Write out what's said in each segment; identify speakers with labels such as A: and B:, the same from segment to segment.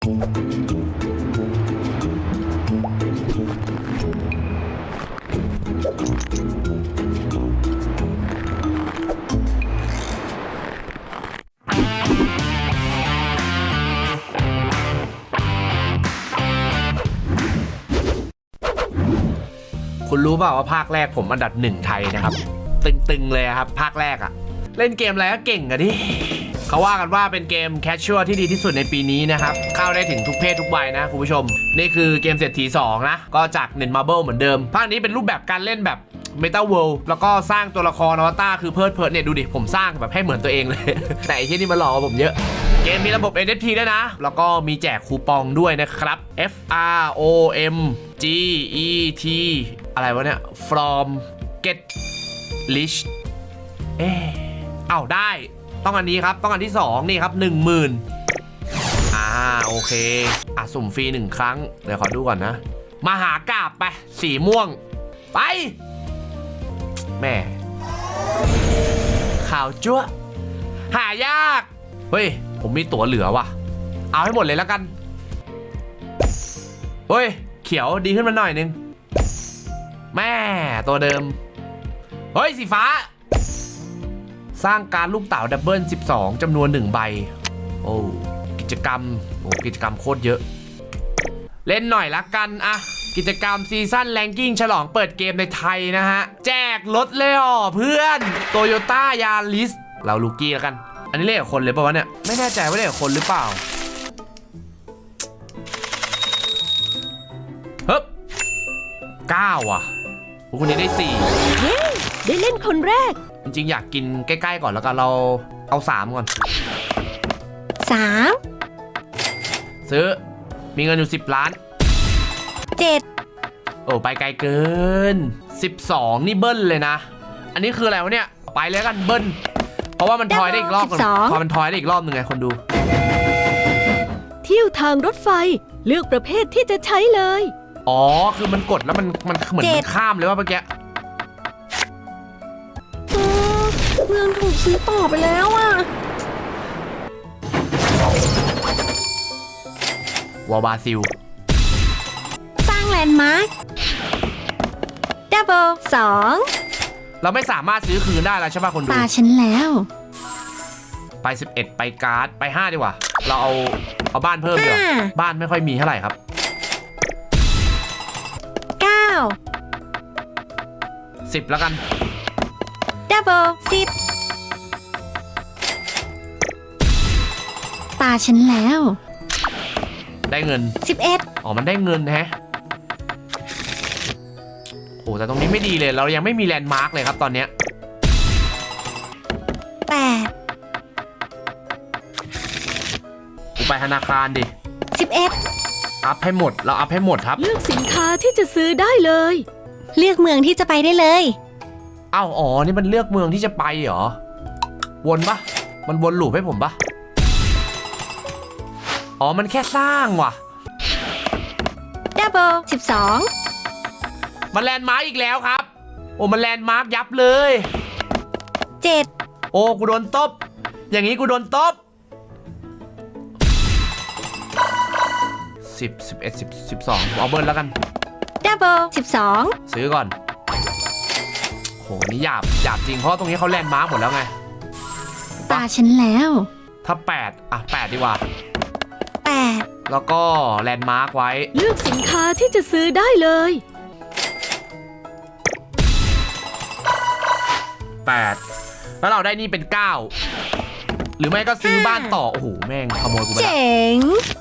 A: คุณรู้เปล่าว่าภาคแรกผมอันดับ1ไทยนะครับตึงๆเลยครับภาคแรกอะเล่นเกมอะไรก็เก่งอะดิเขาว่ากันว่าเป็นเกมแคชชัวร์ที่ดีที่สุดในปีนี้นะครับเข้าได้ถึงทุกเพศทุกวัยนะคุณผู้ชมนี่คือเกมเศรษฐี2นะก็จากเน็ตมาร์เบิลเหมือนเดิมภาคนี้เป็นรูปแบบการเล่นแบบเมตาเวิลด์แล้วก็สร้างตัวละครอวตารคือเพิร์ดเนี่ยดูดิผมสร้างแบบให้เหมือนตัวเองเลย แต่ไอ้ที่นี่มาหลอกผมเยอะเกมมีระบบ NFT ด้วยนะแล้วก็มีแจกคูปองด้วยนะครับ FROMGET อะไรวะเนี่ย from get rich ได้ต้องอันนี้ครับต้องอันที่2นี่ครับ 10,000โอเคสุ่มฟรี1ครั้งเดี๋ยวขอดูก่อนนะมาหากาบไปสีม่วงไปแม่ข่าวจั๊วหายากเฮ้ยผมมีตั๋วเหลือว่ะเอาให้หมดเลยแล้วกันเฮ้ยเขียวดีขึ้นมาหน่อยนึงแม่ตัวเดิมเฮ้ยสีฟ้าสร้างการลูกเต๋าดับเบิล12จำนวน1ใบโอ้กิจกรรมโคตรเยอะเล่นหน่อยละกันอะกิจกรรมซีซั่นแรงกิ้งฉลองเปิดเกมในไทยนะฮะแจกรถเลยเพื่อนโตโยต้ายาริสเราลูกี้แล้วกันอันนี้เล่นกับคนเลยป่าวะเนี่ยไม่แน่ใจว่าเล่นกับคนหรือเปล่าเฮ้ย9อ่ะคนนี้ได้4
B: เย้ได้เล่นคนแรก
A: จริงๆอยากกินใกล้ๆก่อนแล้วกันเราเอา3ก่อน
B: 3
A: ซื้อมีเงินอยู่10 ล้าน
B: 7
A: โอ้ไปไกลเกิน12นี่เบิ้ลเลยนะอันนี้คืออะไรวะเนี่ยไปเลยกันเบิ้ลเพราะว่ามันทอยได้อีกรอบนึงพอมันทอยได้อีกรอบนึงไงคนดู
B: เที่ยวทางรถไฟเลือกประเภทที่จะใช้เลย
A: คือมันกดแล้วมันเหมือนมันข้ามเลยว่าเมื่อกี้
B: เมืองถูกซื้อต่อไปแล้วอ่ะ
A: วอลบาซิล
B: สร้างแลนด์มาร์คดับเบิล2
A: เราไม่สามารถซื้อคืนได้แล้วใช่ป่ะคนดู
B: ตาฉันแล้ว
A: ไป11ไปการ์ดไป5ดีกว่าเราเอาบ้านเพิ่มดีกว่าบ้านไม่ค่อยมีเท่าไหร่ครับ10แล้วกัน
B: ดับเบิล10ตาฉันแล้ว
A: ได้เงิน
B: 11
A: มันได้เงินแฮะโอ้แต่ตรงนี้ไม่ดีเลยเรายังไม่มีแลนด์มาร์กเลยครับตอนเนี้ย
B: 8
A: กูไปธนาคารดิ
B: 11
A: อัพให้หมดเราอัพให้หมดครับ
B: เลือกสินค้าที่จะซื้อได้เลยเลือกเมืองที่จะไปได้เลย
A: นี่มันเลือกเมืองที่จะไปเหรอวนปะมันวนลูปให้ผมปะมันแค่สร้างว่ะ
B: ดับเบิล12
A: มันแลนด์มาร์กอีกแล้วครับมันแลนด์มาร์กยับเลย
B: 7
A: กูโดนตบอย่างนี้กูโดนตบ10 11 10 12เอาเบิร์นแล้วกัน
B: ดับเบิล12
A: ซื้อก่อนนี่หยาบจริงเพราะตรงนี้เขาแลนด์มาร์กหมดแล้วไง
B: ตาฉันแล้ว
A: ถ้า8ดีกว่า
B: 8
A: แล้วก็แลนด์มาร์กไว้
B: เลือกสินค้าที่จะซื้อได้เลย
A: 8แล้วเราได้นี่เป็น9หรือไม่ก็ซื้อบ้านต่อแม่งขโมยกูไปแล้ว
B: เจ๋ง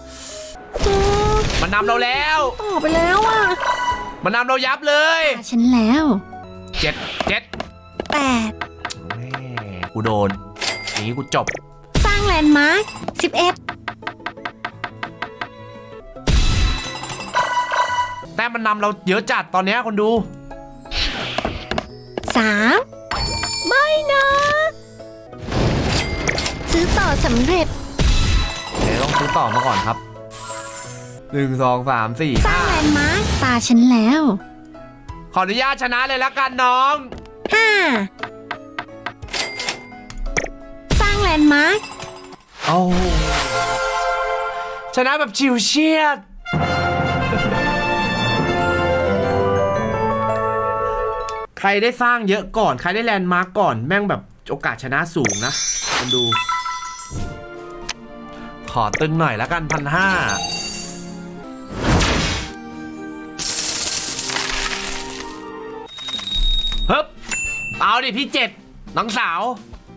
A: มันนำเราแล้ว
B: ต่อไปแล้วอ่ะ
A: มันนำเรายับเลย
B: ฉันแล้ว
A: 8กูโดนอย่างนี้กูจบ
B: สร้างแลนด์มาร์ค
A: 11แต่มันนำเราเยอะจัดตอนนี้คนดู
B: 3ไม่นะซื้อต่อสำเร็จ
A: ต้องซื้อต่อมาก่อนครับ1 2 3 4
B: สร้างแลนด์มาร์คตาฉันแล้ว
A: ขออนุญาตชนะเลยละกันน้อง
B: 5สร้างแลนด์มาร์ค
A: ชนะแบบชิวเชียดใครได้สร้างเยอะก่อนใครได้แลนด์มาร์กก่อนแม่งแบบโอกาสชนะสูงนะมาดูขอตึงหน่อยแล้วกัน1,500เฮ้ยเอาดิพี่7น้องสาว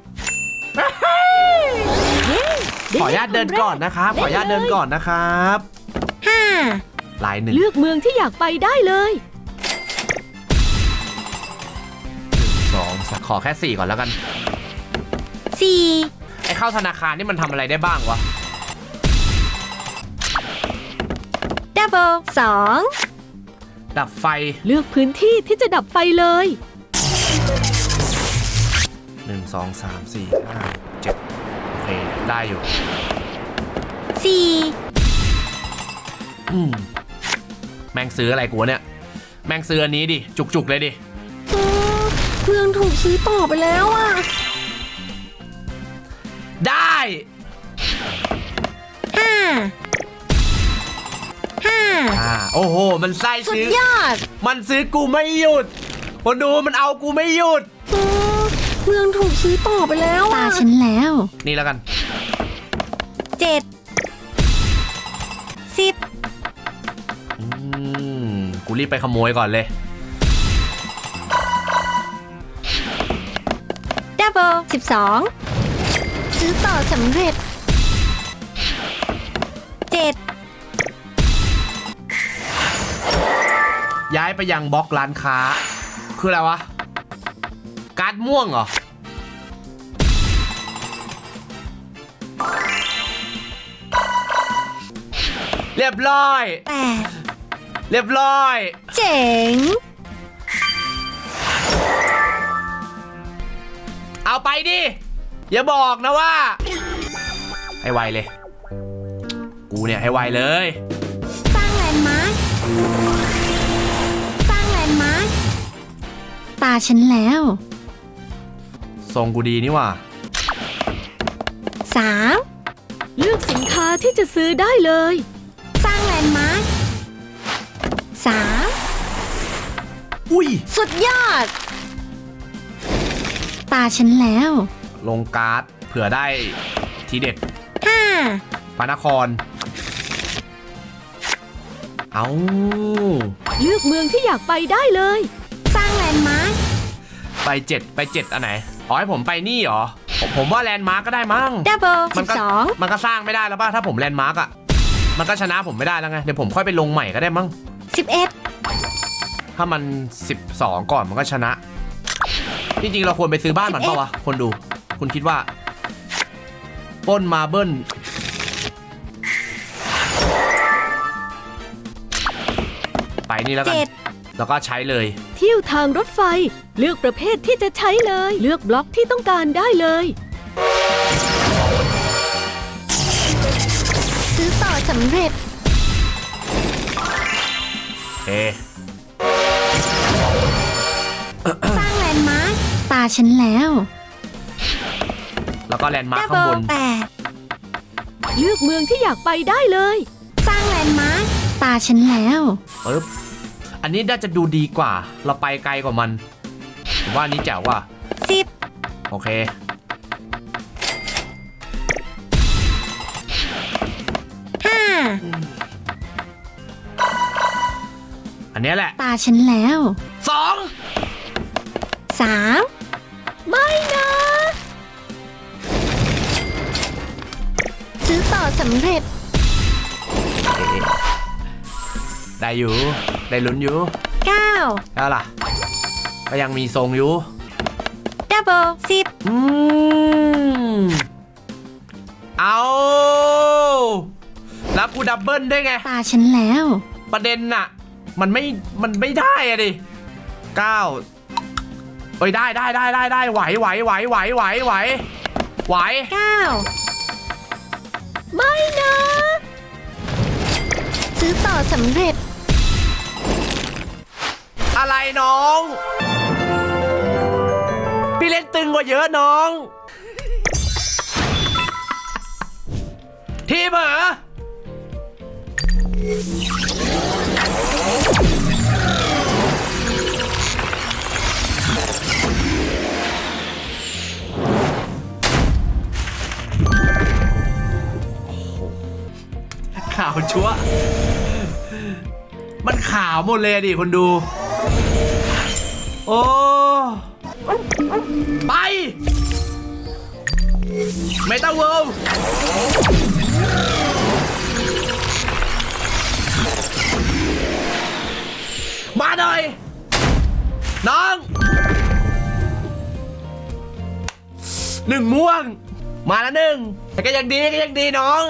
A: ขออนุญาตเดินก่อนนะครับขออนุญาตเดินก่อนนะครับ
B: 5
A: ลาย1
C: เลือกเมืองที่อยากไปได้เลย
A: 2ขอแค่4ก่อนแล้วกัน
B: 4
A: ไอ้เข้าธนาคารนี่มันทำอะไรได้บ้างวะ
B: double
A: ดับไฟ
C: เลือกพื้นที่ที่จะดับไฟเลย
A: 1 2 3 4 5 7โอเคได้อยู่
B: 2 4
A: แม่งซื้ออะไรกูวะเนี่ยแม่งซื้ออันนี้ดิจุกๆเลยดิ
B: เครื่องถูกซื้อต่อไปแล้วอ่ะ
A: ได้
B: 5
A: โอ้โหมันไส้
B: สุด
A: ซื้อย
B: อด
A: มันซื้อกูไม่หยุดคนดูมันเอากูไม่หยุด
B: เครื่องถูกซื้อต่อไปแล้วตาฉันแล้ว
A: นี่แล้วกัน
B: 7 10
A: กูรีบไปขโมยก่อนเลย
B: double 12 ซื้อต่อสำเร็จ 7
A: ย้ายไปยังบล็อกร้านค้าคืออะไรวะการ์ดม่วงเหรอเรียบร้อย
B: 8
A: เรียบร้อย
B: เจ๋ง
A: เอาไปดิ อย่าบอกนะว่า ให้ไวเลย กูเนี่ยให้ไวเลย
B: สร้างแลนด์มาร์คสร้างแลนด์มาร์คตาฉันแล้ว
A: ทรงกูดีนี่หว่า
B: 3
C: เลือกสินค้าที่จะซื้อได้เลย
B: สร้างแลนด์มาร์ค
A: อุ้ย
B: 3 สุดยอด ตาฉันแล้ว
A: ลงการ์ดเผื่อได้ทีเด็ด
B: 5
A: พระนคร เอา
C: เลือกเมืองที่อยากไปได้เลย
B: สร้างแลนด์มาร์ค
A: ไป7อันไหนอ๋อให้ผมไปนี่เหรอผมว่าแลนด์มาร์กก็ได้มั้ง
B: double
A: มันก็
B: 12
A: มันก็สร้างไม่ได้แล้วป่ะถ้าผมแลนด์มาร์กอ่ะมันก็ชนะผมไม่ได้แล้วไงเดี๋ยวผมค่อยไปลงใหม่ก็ได้มั้ง
B: 11
A: ถ้ามัน12ก่อนมันก็ชนะจริงๆเราควรไปซื้อบ้านมันเปล่าวะคนดูคุณคิดว่าปล้นมาเบิ้ลไปนี่แล้วกัน
B: 7
A: แล้วก็ใช้เลย
C: เที่ยวทางรถไฟ เลือกประเภทที่จะใช้เลย เลือกบล็อกที่ต้องการได้เลย
B: ซื้อต่อสำเร็จ
A: เอ
B: สร้างแลนด์มาร์คตาฉันแล้ว
A: แล้วก็แลนด์มาร์คข้างบ
B: double
A: น
B: 8
C: เลือกเมืองที่อยากไปได้เลย
B: สร้างแลนด์มาร์คตาฉันแล้ว
A: ปึ๊บอันนี้น่าจะดูดีกว่า เราไปไกลกว่ามันผมว่าอันนี้แจ๋วว่ะ
B: 10
A: โอเค
B: 5
A: อันเนี้ยแหละ
B: ตาฉันแล้ว
A: 2
B: 3
C: ไม่นะ
B: ซื้อต่อสำเร็จ
A: ได้อยู่ได้ลุ้นอยู่
B: 9
A: แล้วล่ะ ก็ยังมีทรงอยู่
B: double 10
A: เอาแล้วกูดับเบิลได้ไง
B: ตาฉันแล้ว
A: ประเด็นน่ะ มันไม่ได้อะดิ9เอ้ยได้ไหวไหว
B: 9
C: ไม่นะ
B: ซื้อต่อสำเร็จ
A: อะไรน้อง พี่เล่นตึงกว่าเยอะน้อง ทีมเหรอขาวชัวร์มันขาวหมดเลยดิคนดู โอ้ไปเมตาเวิลด์มาหน่อยน้องหนึ่งม่วงมาแล้วหนึ่งแต่ก็ยังดีน้อง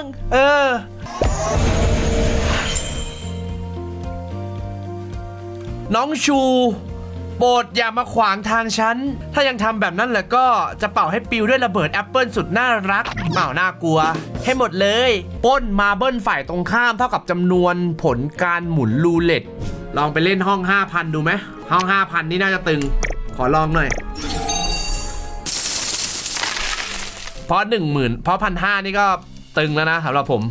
A: น้องชูโปรดอย่ามาขวางทางฉันถ้ายังทำแบบนั้นแล้วก็จะเป่าให้ปิวด้วยระเบิดแอปเปิลสุดน่ารักเป่าน่ากลัวให้หมดเลยปล้นมาเบิ้ลฝ่ายตรงข้ามเท่ากับจำนวนผลการหมุนรูเล็ตลองไปเล่นห้อง 5,000 ดูไหมห้อง 5,000 นี่น่าจะตึงขอลองหน่อยเพราะ 10,000 เพราะ 1,500 นี่ก็ตึงแล้วนะสำหรับผม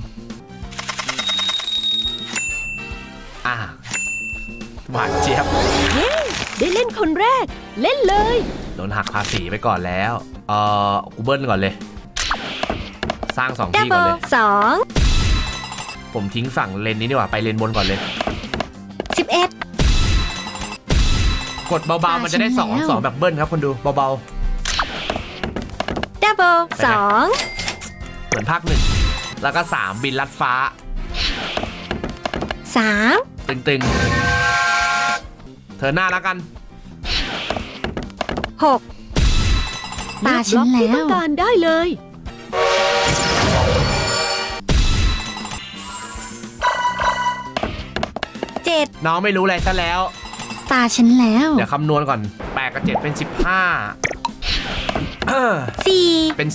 A: หวานเจี๊ยบ
C: เย้ได้เล่นคนแรกเล่นเลย
A: โดนหักภาษีไปก่อนแล้วกูเบิ้ลก่อนเลยสร้าง2 ที่ก่อนเลย
B: 2
A: ผมทิ้งฝั่งเลนนี้ดีกว่าไปเลนบนก่อนเลย
B: 11
A: กดเบาๆมันจะได้2แบบเบิ้ลครับคนดูเบา
B: ดับเบิล
A: ๆเหมือนภาค1แล้วก็3บินลัดฟ้า
B: 2 3
A: ตึงๆเธอหน้าแล้วกัน
B: 6 ตาฉัน
C: เลือกบล็อกที่
B: แล้
C: ต้อ
B: ว
C: งการได้เลย
B: 7
A: น้องไม่รู้อะไรซะแล้ว
B: ตาฉันแล้ว
A: เดี๋ยวคำนวณก่อน8กับ7เป็น15
B: 4
A: เป็น15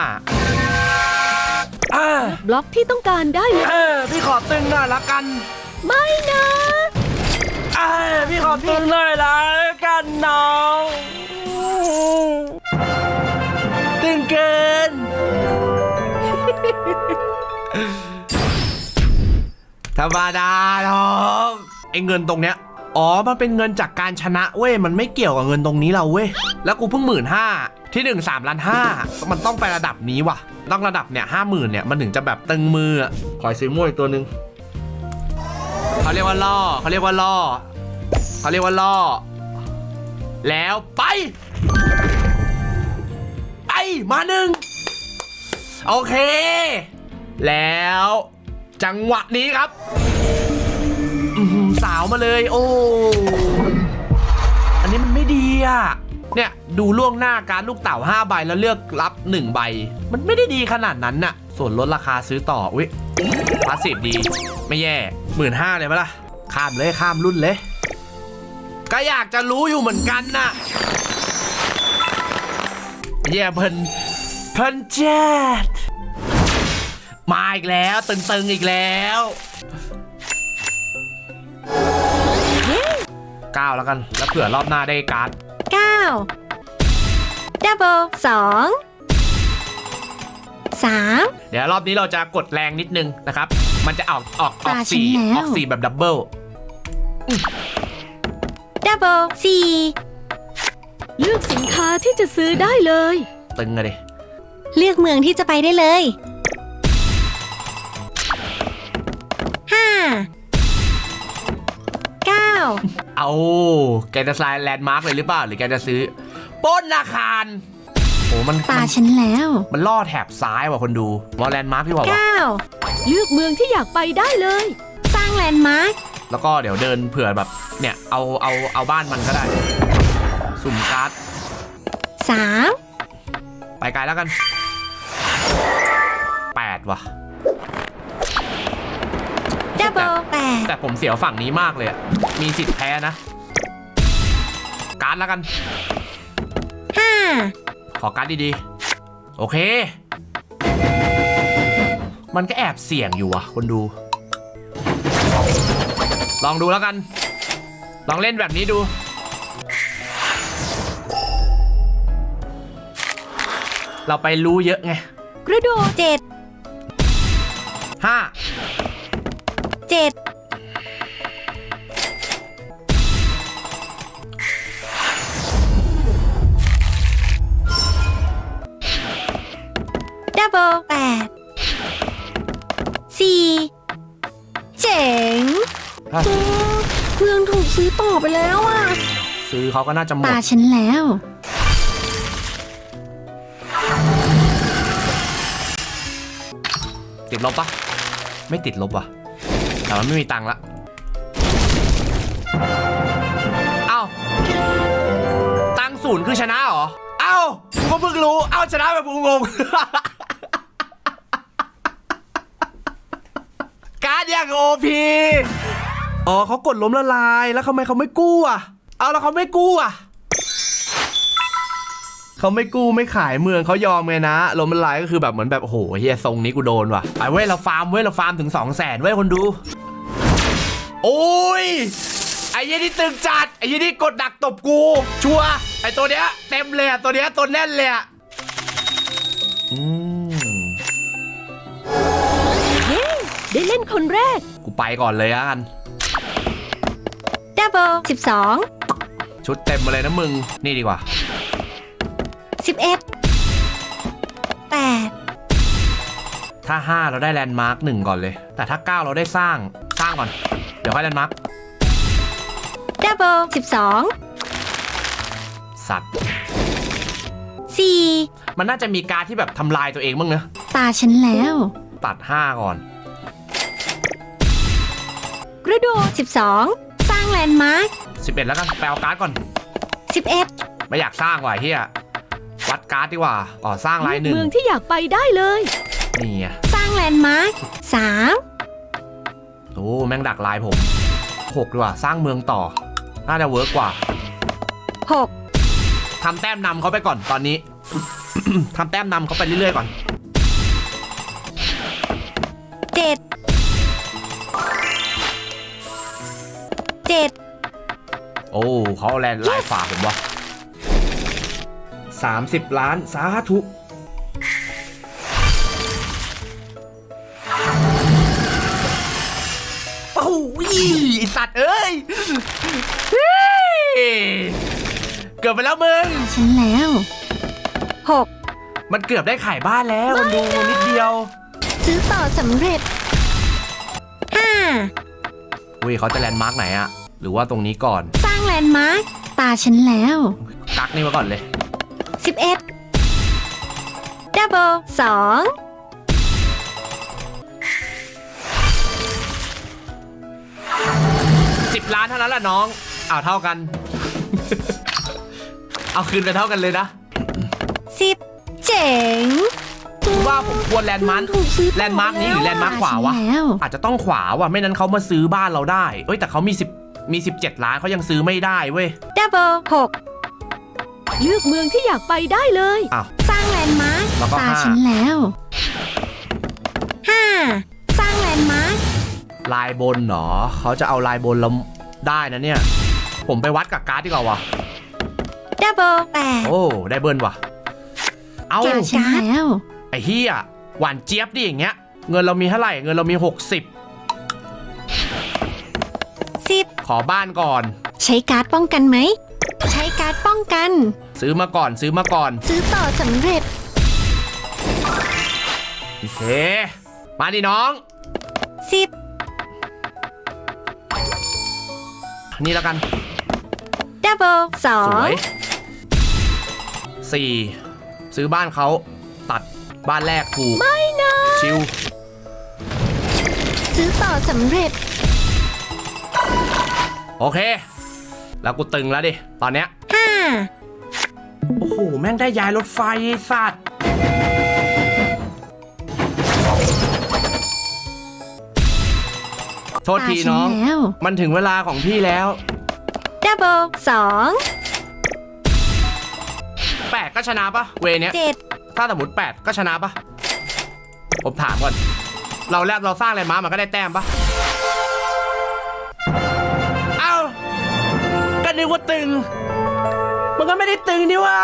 C: บล็อกที่ต้องการได้เลย
A: พี่ขอตึงหน่อยละกัน
C: ไม่นะ
A: พี่ขอตึงหน่อยละกันน้องตึงเกิน ธรรมดาน้องไอ้เงินตรงเนี้ยมันเป็นเงินจากการชนะเว้ยมันไม่เกี่ยวกับเงินตรงนี้เราเว้ยแล้วกูเพิ่ง15,000ที่1 3,500,000มันต้องไประดับนี้ว่ะต้องระดับเนี่ย50,000เนี่ยมันถึงจะแบบตึงมืออ่ะขอซื้อมวยอีกตัวหนึ่งเขาเรียกว่าล่อแล้วไปมาหนึ่งโอเคแล้วจังหวะนี้ครับสาวมาเลยโอ้อันนี้มันไม่ดีอ่ะเนี่ยดูล่วงหน้าการลูกเต่า5ใบแล้วเลือกรับ1ใบมันไม่ได้ดีขนาดนั้นน่ะส่วนลดราคาซื้อต่ออุ๊ยพาสซีฟดีไม่แย่ 15,000 เลยปะล่ะข้ามรุ่นเลยก็อยากจะรู้อยู่เหมือนกันน่ะแย่เพิ่นแจ๊ดมาอีกแล้วตึงอีกแล้ว9แล้วกันแล้วเผื่อรอบหน้าได้การ์ด
B: 9 ดับเบิล2 3
A: เดี๋ยวรอบนี้เราจะกดแรงนิดนึงนะครับมันจะออก4แบบดับเบิล
B: ดับเบิล4
C: เลือกสินค้าที่จะซื้อได้เลย
A: ตึงอะดิ
B: เลือกเมืองที่จะไปได้เลย 5 9
A: เอาแกจะสไลด์แลนด์มาร์กเลยหรือเปล่าหรือแกจะซื้อปล้นอาคารโอ้มัน
B: ตาฉันแล้ว
A: มันล่อแถบซ้ายว่ะคนดูวอลแลนด์มาร์กที่บอกว่า
B: 9
C: เลือกเมืองที่อยากไปได้เลย
B: สร้างแลนด์มาร์ค
A: แล้วก็เดี๋ยวเดินเผื่อแบบเนี่ยเอาบ้านมันก็ได้สุ่มการ์ด
B: 3
A: ไปไกลแล้วกัน8ว่ะ
B: ดับเบิล8
A: แต่ผมเสียวฝั่งนี้มากเลยอะมีสิทธิ์แพ้นะการ์ดแล้วกัน
B: 5
A: ขอการ์ดดีๆโอเคมันก็แอบเสี่ยงอยู่อะคนดูลองดูแล้วกันลองเล่นแบบนี้ดูเราไปรู้เยอะไง
C: กระโดด
B: 7
A: 5
B: 7 ดับเบิล8 4 เจ๋งเมืองถูกซื้อต่อไปแล้วอ่ะ
A: ซื้อเขาก็น่าจะหมด
B: ตาฉันแล้ว
A: ติดลบปะไม่ติดลบว่ะแต่มันไม่มีตังค์ละเอ้าตังค์ศูนย์คือชนะเหรอเอ้ากูก็เพิ่งรู้เอ้าชนะแบบกูงง การ์ดอย่างโอพีอ๋อเขากดล้มละลายแล้วทำไมเขาไม่กู้อ่ะเอาแล้วเขาไม่กู้อ่ะเขาไม่กู้ไม่ขายเมืองเขายอมไงนะล้มละลายก็คือแบบเหมือนแบบโอ้โหเฮียทรงนี้กูโดนว่ะไปเว้ยเราฟาร์มถึง 200,000 เว้ยคนดูโอ้ยไอ้ยี่นี่ตึงจัดไอ้ยี่นี่กดดักตบกูชัวร์ไอ้ตัวเนี้ยเต็มเลยอะตัวเนี้ยตัวแน่นเลยอะ
C: เย้ได้เล่นคนแรก
A: กูไปก่อนเลยอะกัน
B: ดับเบิล12
A: ชุดเต็มมาเลยนะมึงนี่ดีกว่า
B: 11 8
A: ถ้า 5 เราได้แลนด์มาร์ค 1 ก่อนเลย แต่ถ้า 9 เราได้สร้างก่อน เดี๋ยวค่อยแลนด์มาร์ค
B: ดับเบิล
A: สัตว์
B: 12 4
A: มันน่าจะมีการดที่แบบทำลายตัวเองบ้างนะ
B: ตาฉันแล้ว
A: ตัด 5 ก่อน
C: กระโดด
B: 12 สร้างแลนด์มาร์ค
A: 11 แล้วกันไปเอาการ์ดก่อน
B: 11
A: ไม่อยากสร้างว่ะเฮียวัดการ์ดดีกว่าอ๋อสร้างลายหนึ่ง
C: เมืองที่อยากไปได้เลย
A: นี่ไง
B: สร้างแลนด์มาร์ค3
A: โอ้แม่งดักลายผม 6 ดีกว่าสร้างเมืองต่อ น่าจะเวิร์กกว่า
B: 6
A: ทำแต้มนำเขาไปก่อนตอนนี้ ทำแต้มนำเขาไปเรื่อยๆก่อน
B: 7
A: โอ้เขาเอาแลนด์ลายฝ่าผมวะ30 ล้านสาธุโอ้ยไอ้สัตว์เอ้ยเฮ้ยเกือบไปแล้วมึง
B: ฉันแล้ว 6
A: มันเกือบได้ขายบ้านแล้วมันดูนิดเดียว
B: ซื้อต่อสำเร็จ 5
A: อุ้ยเขาจะแลนด์มาร์กไหนอะหรือว่าตรงนี้ก่อน
B: สร้างแลนด์มาร์คตาฉันแล้ว
A: กักนี่มาก่อนเลย
B: 11 ดับเบิล2
A: 10 ล้านเท่านั้นแหละน้องอ้าวเท่ากัน เอาคืนไปเท่ากันเลยนะ
B: 10 เจ๋ง
A: ว่าผมควรแลนด์มาร์คแลนด์มาร์คนี้หรือแลนด์มาร์คขวาวะ
B: แล้ว
A: อาจจะต้องขวาว่ะไม่นั้นเขามาซื้อบ้านเราได้เอ้ยแต่เขามี17 ล้านเขายังซื้อไม่ได้เว้ย
B: ดับเบิล6
C: เลือกเมืองที่อยากไปได้เลย
A: อ้าว
B: สร้างแลนด์มาร์ค
A: แล้วก็
B: ตา
A: 5
B: ฉันแล้ว 5 สร้างแลนด์มาร์ค
A: ลายบนเหรอเขาจะเอาลายบนเราได้นะเนี่ยผมไปวัดกับการ์ดดีกว่าวะ
B: ดับเบิล8
A: โอ้ได้เบิร์นว่ะเอา
B: ตาฉันแล้ว
A: ไอ้เฮียหวานเจี๊ยบดิอย่างเงี้ยเงินเรามีเท่าไหร่เงินเรามี60
B: 10
A: ขอบ้านก่อน
B: ใช้การ์ดป้องกันไหม ใช้การ์ดป้องกัน
A: ซื้อมาก่อน
B: ซื้อต่อสำเร็จ
A: โอเคมาดิน้อง
B: 10
A: นี่แล้วกัน
B: ดับเบิล
A: สวย
B: 2
A: 4ซื้อบ้านเขาตัดบ้านแรกถูกไม่นะชิว
B: ซื้อต่อสำเร็จ
A: โอเค แล้วกูตึงแล้วดิตอนเนี้ย
B: 5
A: โอ้โหแม่งได้ย้ายรถไฟไอ้สัตว์โทษทีน้อง
B: ตาฉัแล้ว
A: มันถึงเวลาของพี่แล้ว
B: ดับเบิล
A: 8 ก็ชนะปะเวเนี้ย
B: 2 7
A: ถ้าสมมติ8 ก็ชนะปะผมถามก่อนเราสร้างอะไรมามันก็ได้แต้มปะเอ้าก็นึกว่าตึงมันก็ไม่ได้ตึงนี่ว่า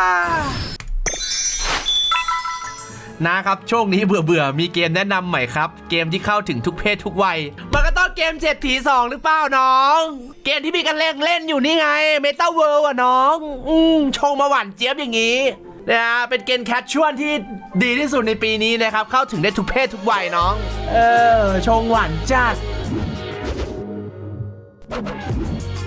A: นะครับช่วงนี้เบื่อมีเกมแนะนำใหม่ครับเกมที่เข้าถึงทุกเพศทุกวัยมันก็ต้องเกมเศรษฐี2หรือเปล่าน้อง เกมที่มีกันเล่นอยู่นี่ไง Meta World อ่ะน้องชงมาหวานเจี๊ยบอย่างนี้นะเป็นเกมแคชชวลที่ดีที่สุดในปีนี้นะครับ เข้าถึงได้ทุกเพศทุกวัยน้องชงหวานจัด